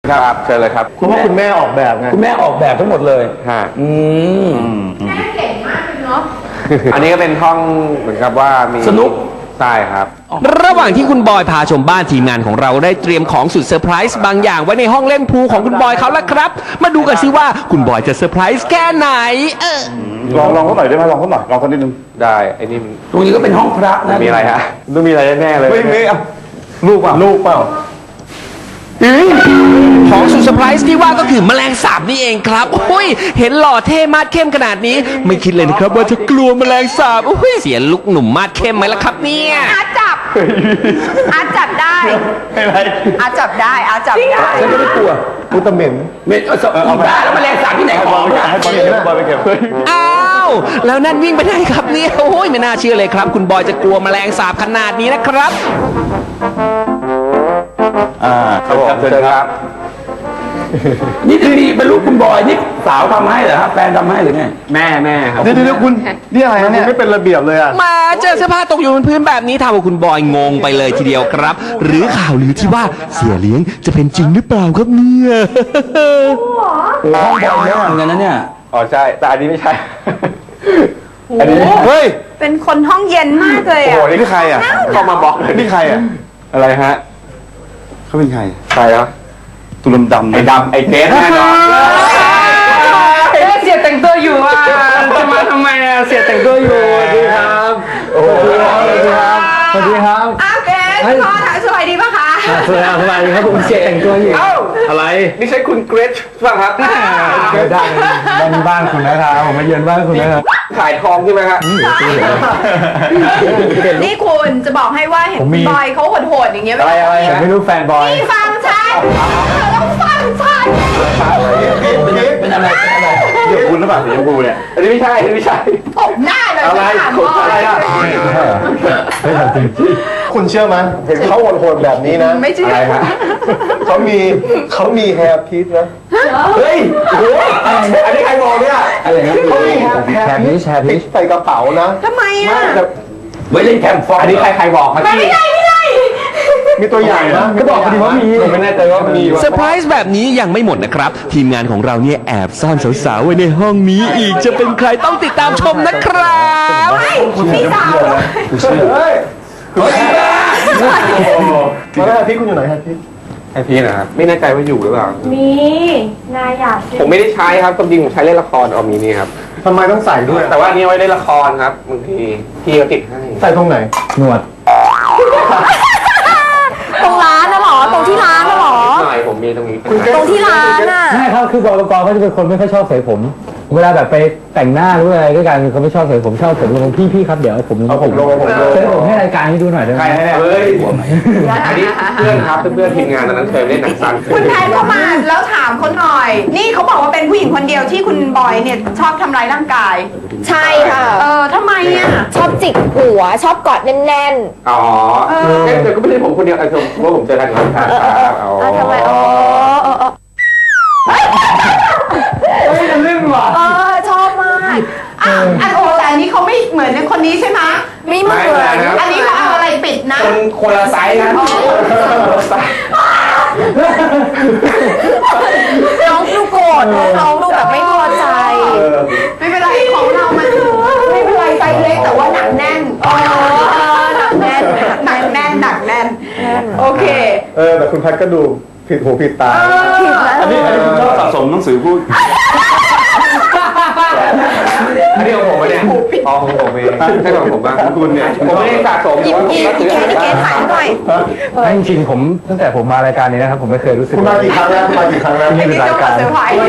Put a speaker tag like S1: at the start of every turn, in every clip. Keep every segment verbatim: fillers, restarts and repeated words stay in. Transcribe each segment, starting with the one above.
S1: ครับเชิญเลยครับ
S2: เพราะว่าคุณแม่ออกแบบไง
S3: คุณแม่ออกแบบทั้งหมดเลย
S1: ฮะ
S3: อืม
S4: แม่เก่งมากเลยเนาะ
S1: อันนี้ก็เป็นห้องเหมือนกับว่ามี
S3: สนุก
S1: ใช่ครับ
S5: ระหว่างที่คุณบอยพาชมบ้านทีมงานของเราได้เตรียมของสุดเซอร์ไพรส์บางอย่างไว้ในห้องเล่นพูลของคุณบอยเขาแล้วครับมาดูกันซิว่าคุณบอยจะเซอร์ไพรส์แค่ไหนเออ
S2: ลองลองเขาหน่อยได้ไหมลองเขาหน่อยลองเขานิดนึง
S1: ได้ไอ้นี่
S3: ตรงนี้ก็เป็นห้องพระนะ
S1: มีอะไรฮะต้องมีอะไรแน่เลย
S2: ไม่มีลูกเปล่าลูกเปล่า
S5: ของสุดเซอร์ไพรส์ที่ว่าก็คือแมลงสาบนี่เองครับโอ้ยเห็นหล่อเท่มาดเข้มขนาดนี้ไม่คิดเลยนะครับว่าจะกลัวแมลงสาบโอ้ยเสียลุกหนุ่มมาดเข้มไหมล่ะครับเนี่ย
S4: อาจับอาจับได้อาจับได้อาจับได้
S2: ฉันก็ไม่กลัวอุตเหม็น
S3: เม็ดเอาบ้าแล้วแมลงสาบที่ไหนของไม่ได้
S2: ให้บอยเก็บบอยไปเก็บ
S5: อ้าวแล้วนั่นวิ่งไปไหนครับเนี่ยโอ้ยไม่น่าเชื่อเลยครับคุณบอยจะกลัวแมลงสาบขนาดนี้นะครับ
S1: อ่าครับผมเชิญครับ
S3: นี่จะมีเป็นลูกคุณบอยนี่สาวทำให้เหรอครับแฟนทำให้หรือไง
S1: แม่แม่ครับ
S2: เดี๋ยวเดี๋ยวคุณนี่อะไรนะเนี่ยไม่เป็นระเบียบเลยอ่ะ
S5: มาเจอเสื้อผ้าตกอยู่บนพื้นแบบนี้ทำเอาคุณบอยงงไปเลยทีเดียวครับหรือข่าวลือที่ว่าเสียเลี้ยงจะเป็นจริงหรือเปล่าครับเนี่ย
S3: ห้องบอยเยอะเหมือนกันนะเนี่ย
S1: อ๋อใช่แต่อันนี้ไม่ใช่อันนี้
S2: เฮ้ย
S4: เป็นคนห้องเย็นมากเลยอ่ะ
S2: โอ้โหนี่ใครอ่ะ
S1: เข้ามาบอกเลย
S2: นี่ใครอ่ะ
S1: อะไรฮะ
S2: เขาเป็นใคร
S1: ใครอ่ะ
S2: ตุลดำ
S1: ไอ้ดำไอ้เกสแน่นอน
S4: เสียแต่งตัวอยู่อ่ะจะมาทำไมอ่ะเสียแต่งตัวอยู่
S2: สวัสดีครับโอ้สวัสดีครับสวัสดีครับ
S4: อ้าวเกสพ่อถ่ายสบายดีป่ะคะ
S2: สวัสดีสบายดีครับผมเสียแต่งตัวอยู่
S1: เอ้า
S2: อะไร
S1: นี่ใช่คุณเกรซป่ะครับ
S2: ไม่ได้บ้านบ้านคุณนะครับผมมาเยือนบ้านคุณนะครับ
S1: ขายทองใช่ไหมครับ
S4: นี่คุณจะบอกให้ว่าเห็นบอยเขาโหดๆอย่างเงี้ย
S2: อะไรอะไรไม่รู้แฟนบอย
S4: นี่ฟังฉันต้องฟังฉัน
S3: เป็นอะไรเป็นอะไร
S2: เดี๋ยวคุณหรือเปล่าสีชมพูเนี่ย
S1: อันนี้ไม่ใช่อันนี้ไม่ใช่
S4: ตบหน้าเลย
S1: อะไรอะไรอ่ะ
S2: ไม่ใช่จริงคุณเชื่อไหมเห็นเขาโหดๆแบบนี้นะ
S4: ไม่เชื่ออะไร
S1: ฮะ
S2: เขามีเขามีแฮร์พีชนะ
S1: เฮ้ยโอ้อันนี้ใครบอกเนี่ย
S2: อะไรนะเขามีแฮร์พีชแฮร์พีชใส่กระเป๋านะ
S4: ทำไมอ่ะ
S3: ไว้เล่นแคมป์ฟอร์
S1: อันนี้ใครใครบอกมา
S4: ไม่ได้ไม่ได้
S2: มีตัวอย่างนะก็บอกพอดีว่ามี
S1: ผมไม่แน่ใจว่ามี
S5: เซอร์ไพรส์แบบนี้ยังไม่หมดนะครับทีมงานของเราเนี่ยแอบซ่อนสาวๆไว้ในห้องนี้อีกจะเป็นใครต้องติดตามชมนะครับ
S4: มีสาว
S2: เฮ้ยมาแล้วพี่คุณอยู่ไหนครับพี่
S1: ไอพี่นะครับไม่แน่ใจว่าอยู่หรือเปล่า
S4: มีนายอยาก
S1: ผมไม่ได้ใช้ครับความจริงผมใช้เล่นละครออมีนี่ครับ
S2: ทำไมต้องใส่ด้วย
S1: แต่ว่านี่ไว้ในละครครับบางทีพี่เขาติดให้
S2: ใส่ตรงไหนหนวด
S4: ตรงร้านน่ะหรอตรงที่ร้านน่ะหรอ
S1: หน่อยผมมีตรงนี้
S4: ตรงที่ร้านน่ะ
S2: ใช่ครับคือบกกเขาจะเป็นคนไม่ค่อยชอบเสยผมเวลาแบบไปแต่งหน้าหรืออะไรด้วยกันเขาไม่ชอบเสยผมชอบผมลงพี่พี่ครับเดี๋ยวผม
S1: เอาผมลงผมลง
S2: เสยผมให้รายการให้ดูหน่อยได้ไหม
S1: ใครเฮ้ยอันนี้เพื่อนครับเพื่อนทีมงานตอนนั้นเคยเล่นหนังสั้น
S4: คุณแพนเข้ามาแล้วถามเขาหน่อยนี่เขาบอกว่าเป็นผู้หญิงคนเดียวที่คุณบอยเนี่ยชอบทำร้ายร่างกาย
S6: ใช่ค่ะ
S4: เออทำไมอ่ะ
S6: ชอบจิกหัวชอบกอดแน่น
S1: ๆอ๋อเดี๋ยวก็ไม่ใช่ผมคนเดียวไอ้ผมว่าผมเจอกันก่อนครับ
S6: อ๋อทำไมอ๋อเออ
S2: เฮ้ยเรื่องว่ะ
S4: เออชอบมากอ่ะอันโอ้แต่อันนี้เขาไม่เหมือนคนนี้ใช่ไหม
S6: ไม่เหมือน
S4: อันนี้เขาเอาอะไรปิดนะ
S1: คนคนละไซส์นะ
S6: น้องดูโกรธน้องดูแบบไม่พอใจ
S4: ไม่เป็นไรของเรามันไม่เป็นไรไซส์เล็กแต่ว่าหนักแน่น
S6: อ๋อหนักแน่น
S4: หนักแน่นหนักแน่นโอเค
S2: เออแต่คุณพัดก็ดูผิดหูผิดตา
S6: อั
S2: นนี้อันนี้คุณชอบสะสมหนังสือพูด
S1: อันนี้ของผมเนี่ยอ๋อของผมเองใช่ของผมบ้างคุณเนี่ยผมไม่ได้สะสม
S6: อีกอีกอีกแค่อีกแค่ถ่ายหน่อย
S2: จริงๆผมตั้งแต่ผมมารายการนี้นะครับผมไม่เคยรู้สึกคุณมากี่ครั้งแล้วมากี่ครั้งแล้ว
S4: นี่เป็นรายการ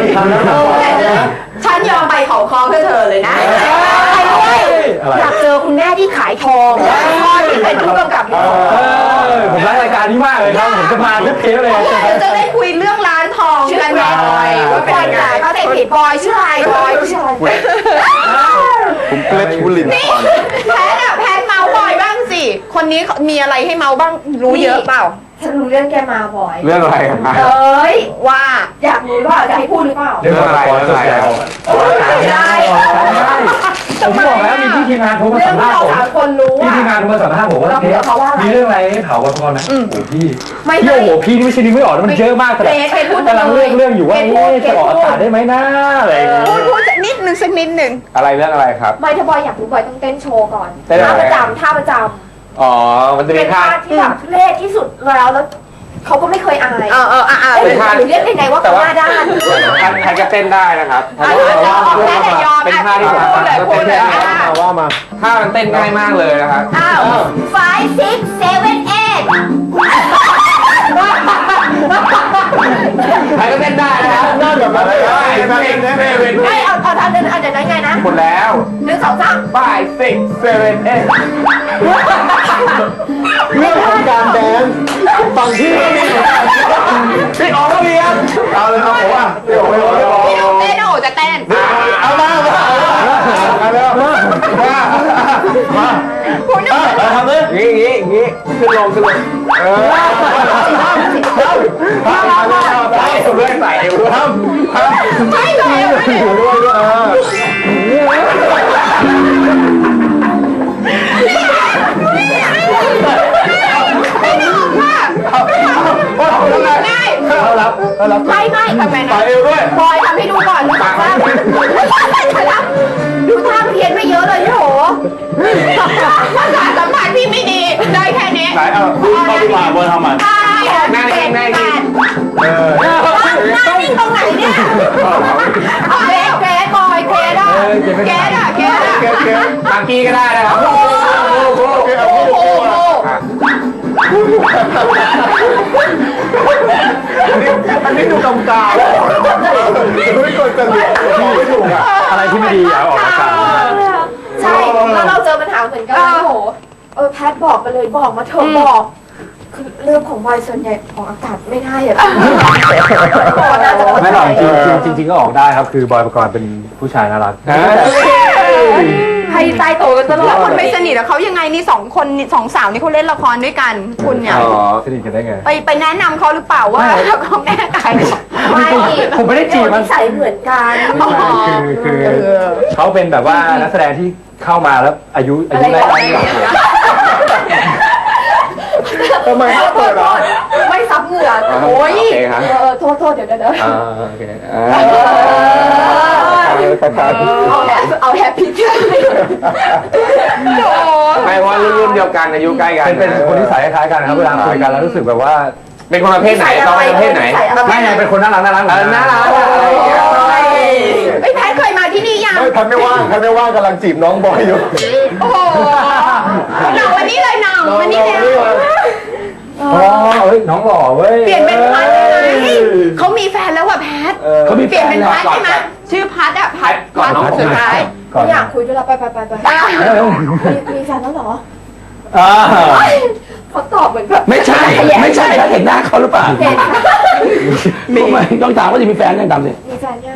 S4: ฉันยอมไปเขาคอเพื่อเธอเลยนะ
S6: ไปด้วยอยากเจอคุณแม่ที่ขายทองพ่อที่เป็นผู้กำกับ
S2: ผมรักรายการนี้มากเลยครับผมจะมาทุกเทปเลย
S4: จะได้คุยเรื่องร้านทองกันแน่บอยว่าเป็นยังไงเขาแต่ผิดบอยชื่ออะไรบอยชื่ออะไร
S2: ผมเกล็ดบุลิน
S4: นี่แพทอะแพทเมาบอยบ้างสิคนนี้มีอะไรให้เมาบ้างรู้เยอะเปล่า
S6: ฉันรู้เรื่องแกมาบ่อย
S1: เรื่องอะไรครับ
S4: เอ้ยว่า
S6: อยากรู้ว่าจะให้พูดหรือเปล่า
S1: เรื่องอะไรเรื่องอะไร
S2: ได้ผมบอกแล้วมีพี่ทีมงานโทรมา
S6: เรื่อ
S2: สั
S6: ง
S2: ม
S6: ที่
S2: ภาษณ์ผม
S6: เราสามคนรู้
S2: พี่
S6: อะ
S2: ทีมงานโทรมาสัมภาษณ์ผมว่า
S6: เราคุยกับเขาว่าอะไร
S2: มีเรื่องอะไรให้เผาบอยปกรณ์ไหมโอ้โหพี่
S6: ไม่
S2: พี่
S6: ใช่
S2: โอ้โหพี่นี่ไม่ใช่นึกไม่ออกนะมันเยอะมากแต่
S4: เกรดเกรดพูด
S2: กำลังเลือกเรื่องอยู่ว่า
S6: เกรดพูด
S2: เอ๊ะจะออกอากาศได้ไหมนะอะไรอย่างเงี้ย
S4: พูดพูดสักนิดนึงสักนิดนึง
S1: อะไรเรื่องอะไรครับ
S6: ไม่ถ้าบอยอยากรู้บอยต้องเต้นโชว์ก่อน
S1: เต้นอะไร
S6: ท่าประจำท่าประจ
S1: อ๋อมันจะ
S6: ำ
S1: มี
S6: เป็น
S1: ท่า
S6: ท่าที่แบบทุเรศที่สุดแล้วแล้วเขาก็ไม่เคยอาย
S4: เออเอออ่ะอ่ะ
S6: เอ้ย
S1: เป็นท่า
S6: หรือเรียกยังไงว่าเขาหน้าด้าน
S1: ท่านท่านก็เต้นได้นะครับ
S4: อ่ะยอมแค่แต่ยอม
S1: เป็น
S4: อ่ะ
S1: ท่าที่ผม
S4: พูดเลยพูดเลย
S1: เต้นได้
S4: อ่ะ
S2: ว่ามา
S1: ท่ามันเต้นง่ายมากเลยนะครับ
S6: อ้าว five six seven eight
S1: ใครก็เต้นได้นะครับน่าแบบอะไรได้เต้นได้เต้น
S6: ไม่เอาเอาเอาเดินเอาเดินนั้นไงนะ
S1: หมดแล้ว
S6: หนึ่งสองสาม
S1: five six seven eight
S2: เรื่องของการแดนฝั่งที่ก็มี
S1: พี่อ๋อก็มีครับเอาเลยครับผมอ่ะพี่อ๋อพี่อ๋อ
S4: พี่ต้องเต้นโอ้จะเต้น
S1: เอามาเอามาเอาเร็วมามา
S4: คุณนึกว่า
S1: ทำเลยงี้งี้งี้ขึ้นลงขึ้นลงเออใส่ด้วยใส่ด้วยทำทำ
S4: ไม่เลยไม่เลย
S1: ด้วยด้วยเออ
S4: ไม่นึกว่าง่าย
S1: เอารับเอารับ
S6: ไม่ไม่
S4: ทำไม
S1: ใส่
S4: นะ
S1: เอวด้วย
S6: บอยทำให้ดูก่อนหนึ่งสองสามดูท่าเพี้ยนไม่เยอะเลยพี่โห
S4: ภาษาสัมผัสพี่ไม่ดี ได้แค่นี้
S1: ใส่เอาดูเข้าดีกว่าบนทำมัน
S4: ใช่
S1: หน้านิ่งหน้านิ่งเออ
S6: หน้านิ่งตรงไหนเนี่ยเอาเกรดเกรดบอยเกรดอ่ะ
S4: แกดอะแกดอะ
S1: เกมเกมบางกี้ก็ได้นะครับ
S4: โอ้โหโอ้โห
S1: อันนี้ดูกำกาวไม่กดจะไม่ถูกอ่ะ
S2: อะไรที่ไม่ดีอย่าเอาออกอากาศ
S6: ใช่แล้วเราเจอปัญหาเหมือนกันพี่โหเออแพทบอกมาเลยบอกมาเถอะบอกคือเรื่องของบอยส่วนใหญ่ออกอากาศไม่ได้อะบอกน่าจะ
S2: ไม่หรอกจริงๆจริงๆก็ออกได้ครับคือบอยปกรณ์เป็นผู้ชายน่ารัก
S6: ให้ตายโตกันตลอ
S4: แล้
S6: ด
S4: วคุณไปสนิทกับเขายังไงนี่สองคนนี่สองสาวนี่เขาเล่นละครด้วยกัน คุณเนี่ย
S1: อ๋อ
S2: สนิทกันได้ไง
S4: ไปไปแนะนำเขาหรือเปล่าว่าเขาแม่ไก่
S6: ไม่
S2: ผมไม่ได้จีบมัน
S6: ใส่เหมือนกัน
S2: คือคือเขาเป็นแบบว่านักแสดงที่เข้ามาแล้วอายุอายุได้
S6: อะไร
S2: ได้
S6: อย่างเงี้ย
S1: ทำไมไม่เปิดอ่ะ
S6: ไม่ซับเหงื่อโอ้ย
S1: โอเคครับ
S6: เออโทษโทษเดี๋ยวเดี๋ยวเดี๋ยว
S2: อ่าโอเค
S6: เอาแฮปเอาแฮปปี้เจอร์
S1: ไม่เพราะรุ่นเดียวกันอายุใกล้กัน
S2: เป็นเป็นคนที่สายคล้ายๆกันนะครับเวลาคุยกันแล้วรู้สึกแบบว่า
S1: เป็นคนประเภทไหนเราเป็นประเภทไหน
S2: ไม่ไงเป็นคนน่ารักน่ารัก
S1: เออน่ารักอะไรอย่างเงี้ย
S4: ไอ้แพทเคยมาที่นี่ยัง
S2: ไม่พันไม่ว่างพันไม่ว่างกำลังจีบน้องบอยอยู่
S4: โอ้โหหน่องวันนี้เลยหน่องวันนี้เลย
S2: อ๋อเฮ้ยน้องหล่อเว้ย
S4: เปลี่ยนเป็นพัดเลยเขามีแฟนแล้วว่ะแพท
S3: เขามี
S4: เปลี่ยนเป็นพัดใช่ไหมชื่อพัดอะพัด
S1: ก่อนน้อง
S4: พัดสุดท้าย
S2: ก่อน
S6: ไม่อยากคุยด้วยแล้วไปไปไปไป
S4: อ่ะ
S6: มีมีแฟนแล้วเหรอ
S2: อ่า
S6: เขาตอบเหมือนแบบ
S3: ไม่ใช่ ไม่ใช่ถ้าเห็นหน้าเขาหรือเปล่า
S6: เห็น
S3: ทำไมต้องถามว่าจะมีแฟนยังตามสิ
S6: มีแฟนยัง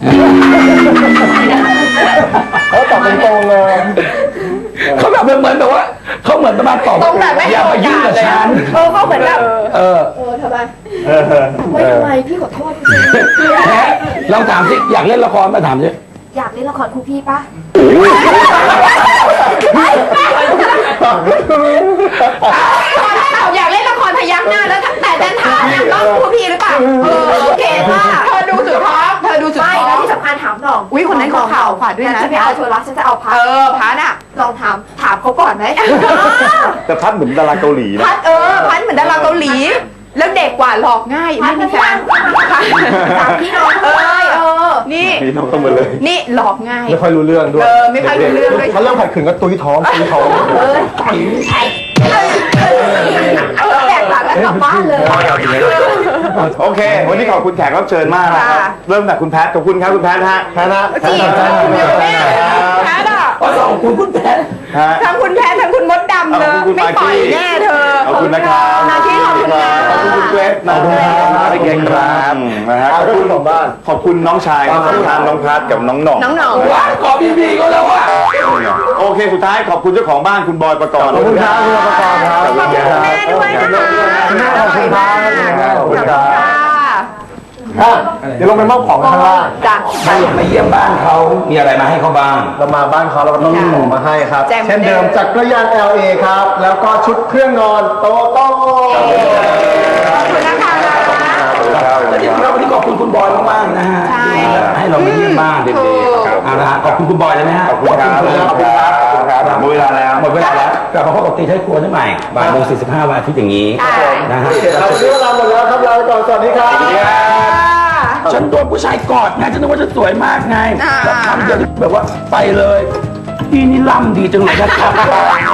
S2: เขาตอบตรงๆเลย
S3: เขาแบบเหมือนแบบว่าเขาเหมือนประมาณตอบ
S4: ตรงแบบไม่
S3: อย่ามายุ่งกับฉัน
S6: เออเขาเหมือนแบบ
S3: เออ
S6: เออทำไม
S2: เออ
S6: ไม่ทำไมพี่ขอโทษจริง
S3: แพ้ลองถามสิอยากเล่นละครมาถามสิ
S6: ๆอยากเล่นละครคู่พี่ปะ
S4: อยากเล่นละครพยักหน้าแล้วแต่ดันถามเนี่ยต้องพูดพี่หรือเปล่าเออโอเคค่ะเธอดูสุดท้องเธอดูสุด
S6: ไม่
S4: ท้
S6: แล้ว
S4: อง
S6: ที่สำคัญถามหน่อง
S4: อุ๊ยคนนั้นเขาข่าวขวาด้วยนะ
S6: ฉันไม่เอาเธอรักฉันจะเอาพัด
S4: เออพัดอะ
S6: ลองถามถามเขาก่อนไหม
S2: แต่พัดเหมือนดาราเกาหลีนะ
S4: พัดเออพัดเหมือนดาราเกาหลี แล้วเด็กกว่าหลอกง่าย
S6: พั
S4: ไม่
S6: ด
S4: มี
S6: ไม่
S4: แฟ
S6: ว่าน ถามพี่น้องเลยเออ
S4: นี่
S2: นี่น้องต้องมาเลย
S4: นี่หลอกง่าย
S2: ไม่ค่อยรู้เรื่องด้วย
S4: เออไม่ค่อยรู้เรื่องด้วย
S2: ถ้าเริ่มผัดขึงก็ตุ้ยท้องตุ้ยท้อง
S6: เออแตกต่างกันกลับบ้านเลย
S1: โอเค วันนี้ขอบคุณแขกรับเชิญมากนะครับเริ่มจากคุณแพทขอบคุณครับคุณแพทฮะแพทนะ
S4: จีบคุณอยู่แม่แพทอะ
S3: ขอสองคุณคุณแพ้
S1: ฮะ
S4: ทั้งคุณแพททั้งคุณมดดำเลย
S1: ขอบคุณ
S4: ไม่ปล่อยแน่เธอ
S1: ขอบคุณนะครับ
S4: นาทีขอบคุณนะ
S1: ขอบคุณคุณเกรซนะขอบคุณเกรซครับนะฮะขอบคุณของบ้านขอบคุณน้องชายของทางน้องพัทกับน้องหน่อง
S4: น้องหน่อง
S3: ว้าขอพี่พีก็แล้วว่ะ
S1: โอเคสุดท้ายขอบคุณเจ้าของบ้านคุณบอยประกรณ์
S2: ขอบคุณครับคุณประกรณ์ครับ
S4: ขอบคุณแม่ด้วยนะคะ
S2: คุณแม่ขอบคุณครับ
S1: ขอบคุณครับ
S4: ค่ะ
S1: เดี๋ยวลงไปมอบของกันข้างล่าง
S4: จ้ะ
S3: มามาเยี่ยมบ้านเขามีอะไรมาให้เขาบ้าง
S1: เรามาบ้านเขาเราก็ต้องมีหมูมาให้ครับ
S4: แจ่ม
S1: เช่นเดิมจากกระยาน แอล เอ ครับ แล้วก็ชุดเครื่องนอนโตโต้
S4: ขอบคุณนะคะ
S3: และที่เราวันนี้ขอบคุณคุณบอยมากๆนะฮะ
S4: ใช่
S3: ให้เรามาเยี่ยมบ้าน
S4: ถูก
S3: เอาละฮะขอบคุณคุณบอยเลยไหมฮะ
S1: ขอบคุณครับขอบคุณครับขอบคุณครับหมดเวลาแล้ว
S3: หมดเวลาแล้วกลับมาพบกับตีท้ายครัวได้ใหม่บ่ายโมงสี่สิบห้าวันอาทิตย์อย่างนี้
S4: ใช่
S3: นะฮะ
S1: เราวันนี้เวลาหมดแล้วครับลาไปก่อนสวัสดีครับ
S3: ฉันโดนผู้ชายกอดไงฉันนึกว่าจะสวยมากไง
S4: อ่า
S3: แล้วคำเดียวที่แบบว่าไปเลยพี่นี่ล่ำดีจังเลยนะครับ